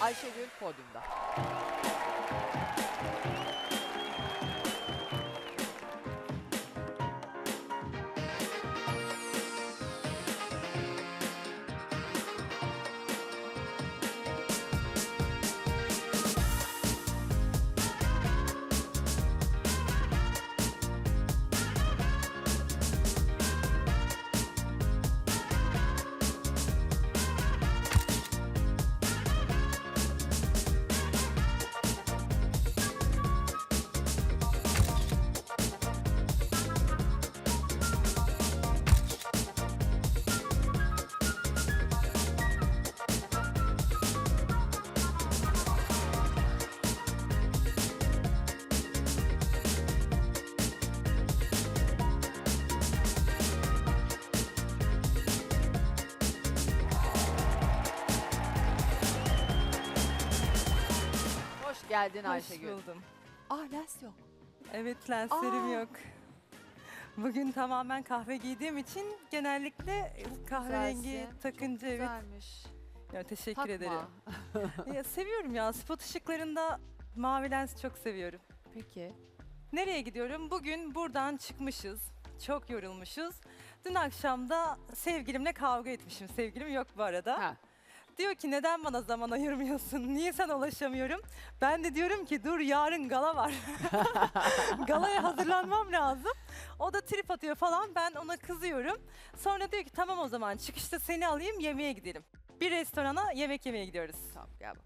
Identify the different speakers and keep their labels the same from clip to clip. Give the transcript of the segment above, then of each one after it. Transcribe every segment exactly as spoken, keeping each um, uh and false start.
Speaker 1: Ayşegül podyumda. Hoş geldin Ayşegül.
Speaker 2: Hoş buldum.
Speaker 1: Ah lens yok.
Speaker 2: Evet, lenslerim
Speaker 1: Aa.
Speaker 2: yok. Bugün tamamen kahve giydiğim için genellikle kahverengi
Speaker 1: Güzelsin.
Speaker 2: takınca evet.
Speaker 1: Güzelmiş.
Speaker 2: Ya, teşekkür
Speaker 1: Takma.
Speaker 2: ederim. Ya, seviyorum ya, spot ışıklarında mavi lens çok seviyorum.
Speaker 1: Peki.
Speaker 2: Nereye gidiyorum? Bugün buradan çıkmışız. Çok yorulmuşuz. Dün akşam da sevgilimle kavga etmişim. Sevgilim yok bu arada.
Speaker 1: Ha.
Speaker 2: Diyor ki neden bana zaman ayırmıyorsun? Niye sana ulaşamıyorum? Ben de diyorum ki dur yarın gala var. Galaya hazırlanmam lazım. O da trip atıyor falan. Ben ona kızıyorum. Sonra diyor ki tamam o zaman çıkışta seni alayım yemeğe gidelim. Bir restorana yemek yemeye gidiyoruz.
Speaker 1: Tamam gel bakalım.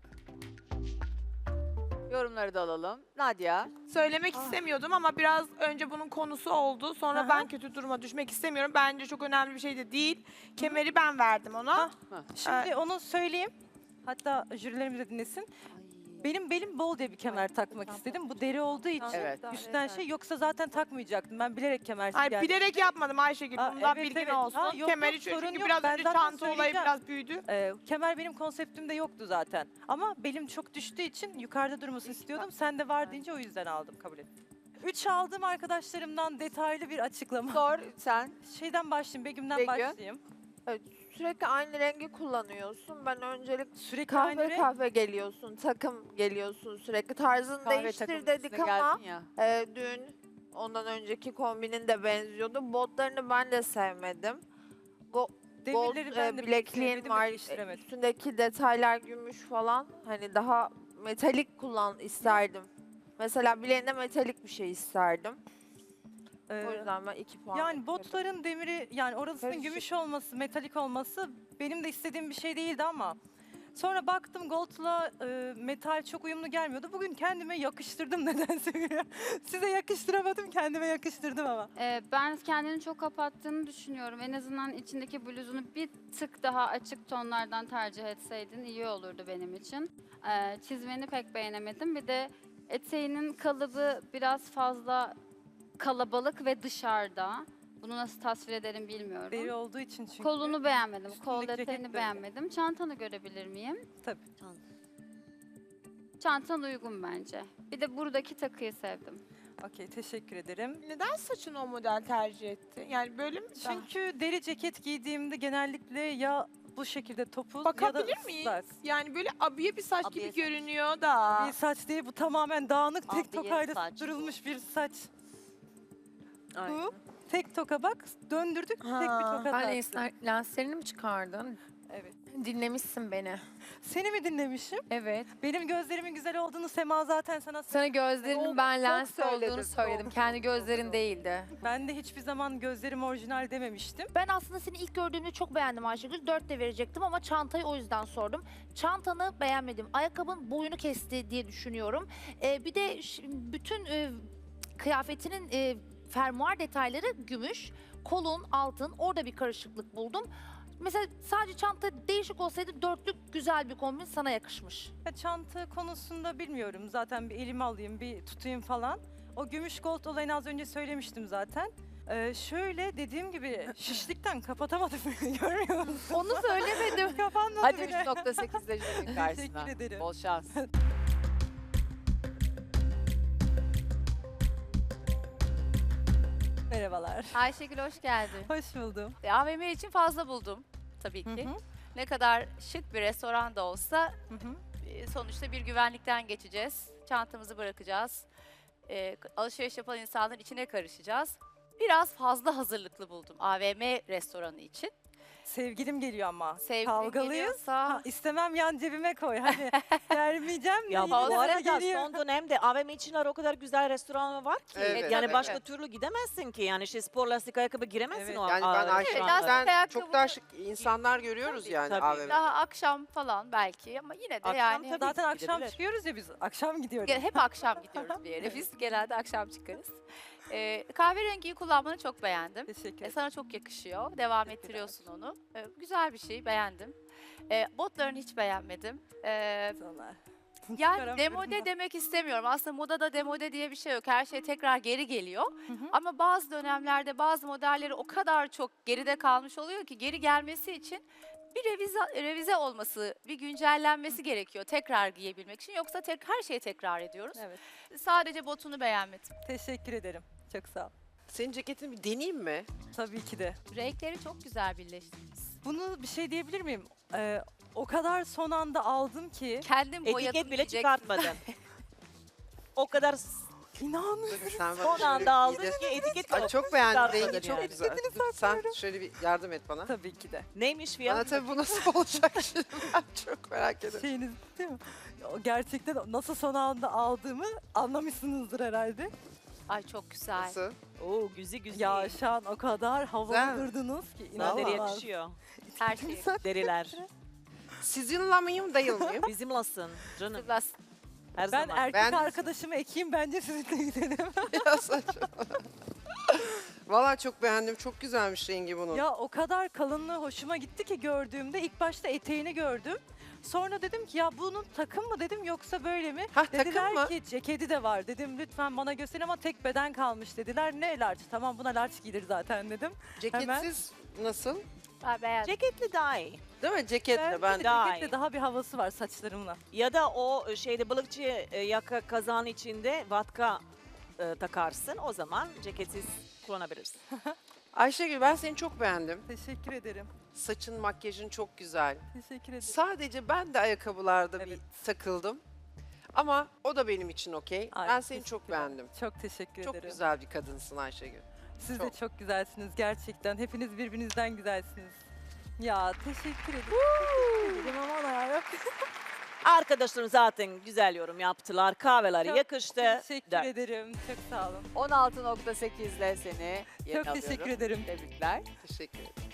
Speaker 1: Yorumları da alalım. Nadia.
Speaker 3: Söylemek istemiyordum ama biraz önce bunun konusu oldu. Sonra
Speaker 2: Aha.
Speaker 3: ben kötü duruma düşmek istemiyorum. Bence çok önemli bir şey de değil. Kemeri ben verdim ona.
Speaker 2: Ha. Şimdi onu söyleyeyim. Hatta jürilerimiz de dinlesin. Benim belim bol diye bir kemer takmak istedim. Bu deri olduğu için
Speaker 1: Evet.
Speaker 2: üstten şey yoksa zaten takmayacaktım. Ben bilerek kemersiz
Speaker 3: Ay
Speaker 2: geldim.
Speaker 3: bilerek yapmadım Ayşegül.
Speaker 2: Aa,
Speaker 3: Bundan
Speaker 2: evet,
Speaker 3: bilgin
Speaker 2: evet.
Speaker 3: olsun.
Speaker 2: Aa, yok,
Speaker 3: Kemeri
Speaker 2: yok,
Speaker 3: çünkü
Speaker 2: sorun yok.
Speaker 3: biraz
Speaker 2: Ben
Speaker 3: önce
Speaker 2: zaten
Speaker 3: çanta olayı
Speaker 2: söyleyeceğim.
Speaker 3: biraz büyüdü.
Speaker 2: Ee, kemer benim konseptimde yoktu zaten. Ama belim çok düştüğü için yukarıda durmasını istiyordum. Sen de var deyince o yüzden aldım, kabul ettim. Üç aldığım arkadaşlarımdan detaylı bir açıklama.
Speaker 1: Sor sen.
Speaker 2: Şeyden başlayayım, Begüm'den
Speaker 1: Begüm.
Speaker 2: başlayayım.
Speaker 4: Evet, sürekli aynı rengi kullanıyorsun. Ben öncelik
Speaker 2: Sürekli
Speaker 4: kahve
Speaker 2: aynı renk.
Speaker 4: kahve geliyorsun, takım geliyorsun sürekli. Tarzını
Speaker 1: Kahve
Speaker 4: değiştir
Speaker 1: takımın
Speaker 4: dedik
Speaker 1: üstüne
Speaker 4: ama
Speaker 1: geldin ya.
Speaker 4: e, dün ondan önceki kombinin de benziyordu. Botlarını ben de sevmedim. Go gold
Speaker 2: Demirleri
Speaker 4: e,
Speaker 2: ben de
Speaker 4: bilekliğin
Speaker 2: sevmedim ve
Speaker 4: var.
Speaker 2: değiştiremedim.
Speaker 4: Üstündeki detaylar gümüş falan. Hani daha metalik kullan isterdim. Mesela bileğinde metalik bir şey isterdim.
Speaker 2: Ee,
Speaker 4: O yüzden ben iki puan
Speaker 2: Yani
Speaker 4: bekledim.
Speaker 2: botların demiri, yani orasının
Speaker 4: Karışık.
Speaker 2: gümüş olması, metalik olması benim de istediğim bir şey değildi ama sonra baktım gold'la e, metal çok uyumlu gelmiyordu. Bugün kendime yakıştırdım nedense. Size yakıştıramadım, kendime yakıştırdım ama.
Speaker 5: Ee, ben kendini çok kapattığını düşünüyorum. En azından içindeki bluzunu bir tık daha açık tonlardan tercih etseydin iyi olurdu benim için. Ee, çizmeni pek beğenemedim. Bir de eteğinin kalıbı biraz fazla kalabalık ve dışarıda. Bunu nasıl tasvir ederim bilmiyorum.
Speaker 2: Deri olduğu için çünkü.
Speaker 5: Kolunu beğenmedim. Kol
Speaker 2: Üstündeki ceket de
Speaker 5: detayını
Speaker 2: öyle.
Speaker 5: beğenmedim. Çantanı görebilir miyim?
Speaker 2: Tabii.
Speaker 5: Çantan uygun bence. Bir de buradaki takıyı sevdim.
Speaker 2: Okey, teşekkür ederim.
Speaker 3: Neden saçını o model tercih etti? Yani böyle mi? daha-
Speaker 2: Çünkü deri ceket giydiğimde genellikle ya bu şekilde topuz ya da
Speaker 3: Bakabilir miyiz?
Speaker 2: ıslak.
Speaker 3: Yani böyle abiye bir saç
Speaker 6: Abiye
Speaker 3: gibi
Speaker 6: saç.
Speaker 3: görünüyor da.
Speaker 2: Bir saç değil, bu tamamen dağınık tek
Speaker 6: Abiye
Speaker 2: tokayla
Speaker 6: saç
Speaker 2: durulmuş bir saç.
Speaker 1: Aynen.
Speaker 2: Bu tek toka bak, döndürdük tek bir
Speaker 3: Ha.
Speaker 2: toka
Speaker 7: Ben
Speaker 2: taktık.
Speaker 7: lensler, lenslerini mi çıkardın?
Speaker 2: Evet.
Speaker 7: Dinlemişsin beni.
Speaker 2: Seni mi dinlemişim?
Speaker 7: Evet.
Speaker 2: Benim gözlerimin güzel olduğunu Sema zaten sana söyledi.
Speaker 7: Sana gözlerinin
Speaker 2: Çok-
Speaker 7: ben
Speaker 2: çok
Speaker 7: lens
Speaker 2: söyledim,
Speaker 7: olduğunu söyledim.
Speaker 2: çok,
Speaker 7: Kendi
Speaker 2: çok,
Speaker 7: gözlerin
Speaker 2: çok.
Speaker 7: değildi.
Speaker 2: Ben de hiçbir zaman gözlerim orijinal dememiştim.
Speaker 8: Ben aslında seni ilk gördüğümde çok beğendim Ayşegül. dört de verecektim ama çantayı o yüzden sordum. Çantanı beğenmedim. Ayakkabın boyunu kesti diye düşünüyorum. Ee, bir de ş- bütün e, kıyafetinin e, fermuar detayları gümüş. Kolun, altın, orada bir karışıklık buldum. Mesela sadece çanta değişik olsaydı dörtlük güzel bir kombin sana yakışmış.
Speaker 2: Ya çanta konusunda bilmiyorum. Zaten bir elime alayım, bir tutayım falan. O gümüş gold olayını az önce söylemiştim zaten. Ee, şöyle dediğim gibi şişlikten kapatamadım. Görmüyor musun?
Speaker 8: Onu söylemedim.
Speaker 2: Kapanmadı
Speaker 1: Hadi
Speaker 2: bile.
Speaker 1: üç nokta sekizde jürinin karşısına.
Speaker 2: Teşekkür ederim.
Speaker 1: Bol şans.
Speaker 2: Merhabalar.
Speaker 9: Ayşegül hoş geldin.
Speaker 2: Hoş buldum.
Speaker 9: A V M için fazla buldum tabii
Speaker 2: Hı
Speaker 9: ki.
Speaker 2: hı,
Speaker 9: Ne kadar şık bir restoran da olsa
Speaker 2: hı hı.
Speaker 6: e, sonuçta bir güvenlikten geçeceğiz. Çantamızı bırakacağız. E, alışveriş yapan insanların içine karışacağız. Biraz fazla hazırlıklı buldum A V M restoranı için.
Speaker 2: Sevgilim geliyor ama.
Speaker 6: Sevgilin
Speaker 2: Kavgalıyız.
Speaker 6: geliyorsa-
Speaker 2: Ha, istemem yan cebime koy. Hani vermeyeceğim de
Speaker 9: Ya
Speaker 2: yine
Speaker 9: bu
Speaker 2: de bana
Speaker 9: arada
Speaker 2: geliyor.
Speaker 9: son dönemde A V M içinler o kadar güzel restoranlar var ki.
Speaker 1: Evet,
Speaker 9: yani
Speaker 1: evet.
Speaker 9: başka türlü gidemezsin ki. Yani şey spor lastik ayakkabı giremezsin
Speaker 2: Evet.
Speaker 9: o
Speaker 1: Yani
Speaker 9: a-
Speaker 1: ben
Speaker 9: restoranlara.
Speaker 1: Ayşegül'den
Speaker 6: ayakkabı-
Speaker 1: çok daha şık insanlar görüyoruz
Speaker 9: Tabii,
Speaker 1: yani
Speaker 9: tabii.
Speaker 1: A V M'de.
Speaker 6: Daha akşam falan belki ama yine de
Speaker 9: Akşam
Speaker 6: yani
Speaker 9: tabii.
Speaker 2: Zaten akşam
Speaker 9: gidebilir.
Speaker 2: çıkıyoruz ya biz. Akşam gidiyoruz.
Speaker 6: Ge- hep akşam gidiyoruz bir yere. Biz genelde akşam çıkarız. Ee, kahverengiyi kullanmanı çok beğendim.
Speaker 2: Teşekkür
Speaker 6: E,
Speaker 2: ederim.
Speaker 6: sana çok yakışıyor. Devam ettiriyorsun onu. E, güzel bir şey, beğendim. E, botlarını hiç beğenmedim. E,
Speaker 2: Sonra.
Speaker 6: yani
Speaker 2: Çıkaramıyorum
Speaker 6: demode
Speaker 2: da.
Speaker 6: demek istemiyorum. Aslında modada demode diye bir şey yok. Her şey tekrar geri geliyor.
Speaker 2: Hı hı.
Speaker 6: Ama bazı dönemlerde bazı modelleri o kadar çok geride kalmış oluyor ki geri gelmesi için bir revize, revize olması, bir güncellenmesi gerekiyor tekrar giyebilmek için. Yoksa tek, her şeyi tekrar ediyoruz.
Speaker 2: Evet.
Speaker 6: Sadece botunu beğenmedim.
Speaker 2: Teşekkür ederim. Çok sağ ol.
Speaker 1: Senin ceketini bir deneyeyim mi?
Speaker 2: Tabii ki de.
Speaker 6: Renkleri çok güzel birleştirmiş.
Speaker 2: Bunu bir şey diyebilir miyim? Ee, o kadar son anda aldım ki.
Speaker 6: Kendim boyadım
Speaker 9: Etiket bile
Speaker 6: diyeceksin.
Speaker 9: çıkartmadın. o kadar s-
Speaker 2: İnanmıyorum.
Speaker 1: Dur, sen bana
Speaker 9: son
Speaker 1: şöyle
Speaker 9: anda
Speaker 1: bir
Speaker 9: aldın
Speaker 1: de-
Speaker 9: ki etiket
Speaker 1: Ay, çok beğendim.
Speaker 9: çıkartmadın
Speaker 1: Rengi çok
Speaker 9: yani.
Speaker 1: güzel. Dur, sen şöyle bir yardım et bana.
Speaker 2: Tabii ki de.
Speaker 9: Neymiş
Speaker 1: Bana
Speaker 9: fiyat?
Speaker 1: tabii bu nasıl olacak şimdi ben çok merak ediyorum.
Speaker 2: Şeyiniz değil mi? O gerçekten nasıl son anda aldığımı anlamışsınızdır herhalde.
Speaker 6: Ay çok güzel.
Speaker 1: Nasıl?
Speaker 9: Oo güzel güzel.
Speaker 2: Ya şu an o kadar
Speaker 1: Güzel
Speaker 2: havalı
Speaker 1: mi?
Speaker 2: durdunuz ki
Speaker 9: Sana deri
Speaker 2: inanılmaz.
Speaker 9: yakışıyor.
Speaker 6: Her şey.
Speaker 9: Deriler.
Speaker 1: Sizinle mıyım değil miyim?
Speaker 9: Bizimlasın canım.
Speaker 6: Biraz
Speaker 9: Her
Speaker 2: Ben
Speaker 9: zaman.
Speaker 2: erkek
Speaker 1: Ben-
Speaker 2: arkadaşımı ekeyim bence sizinle gidelim.
Speaker 1: Ya saçma. Valla çok beğendim. Çok güzelmiş rengi bunun.
Speaker 2: Ya o kadar kalınlığı hoşuma gitti ki gördüğümde ilk başta eteğini gördüm. Sonra dedim ki ya bunun takım mı dedim yoksa böyle mi?
Speaker 1: Hah, takım
Speaker 2: Dediler
Speaker 1: mı?
Speaker 2: ki ceketi de var dedim lütfen bana gösterin ama tek beden kalmış dediler. Ne large tamam buna large giyilir zaten dedim.
Speaker 1: Ceketsiz nasıl?
Speaker 6: ben beğendim.
Speaker 9: Ceketli daha iyi.
Speaker 1: Değil mi? Ceketle ben.
Speaker 2: de
Speaker 9: Daha
Speaker 2: ceketle
Speaker 9: iyi.
Speaker 2: daha bir havası var saçlarımla.
Speaker 9: Ya da o şeyde balıkçı e, yaka kazağın içinde vatka e, takarsın. O zaman ceketsiz kullanabilirsin.
Speaker 1: Ayşegül ben seni çok beğendim.
Speaker 2: Teşekkür ederim.
Speaker 1: Saçın, makyajın çok güzel.
Speaker 2: Teşekkür ederim.
Speaker 1: Sadece ben de ayakkabılarda
Speaker 2: Evet.
Speaker 1: bir takıldım. Ama o da benim için okey.
Speaker 2: Ay,
Speaker 1: Ben seni
Speaker 2: teşekkür
Speaker 1: çok
Speaker 2: ederim.
Speaker 1: beğendim.
Speaker 2: Çok teşekkür
Speaker 1: Çok
Speaker 2: ederim.
Speaker 1: güzel bir kadınsın Ayşegül.
Speaker 2: Siz de
Speaker 1: çok.
Speaker 2: çok güzelsiniz gerçekten. Hepiniz birbirinizden güzelsiniz. Ya teşekkür ederim. Teşekkür ederim ama ya.
Speaker 9: Arkadaşlarım zaten güzel yorum yaptılar. Kahveleri
Speaker 2: Çok
Speaker 9: yakıştı.
Speaker 2: Teşekkür
Speaker 9: Dört.
Speaker 2: ederim. Çok sağ olun.
Speaker 1: on altı nokta sekizle seni
Speaker 2: Çok teşekkür ederim.
Speaker 1: Tebrikler. Teşekkür ederim.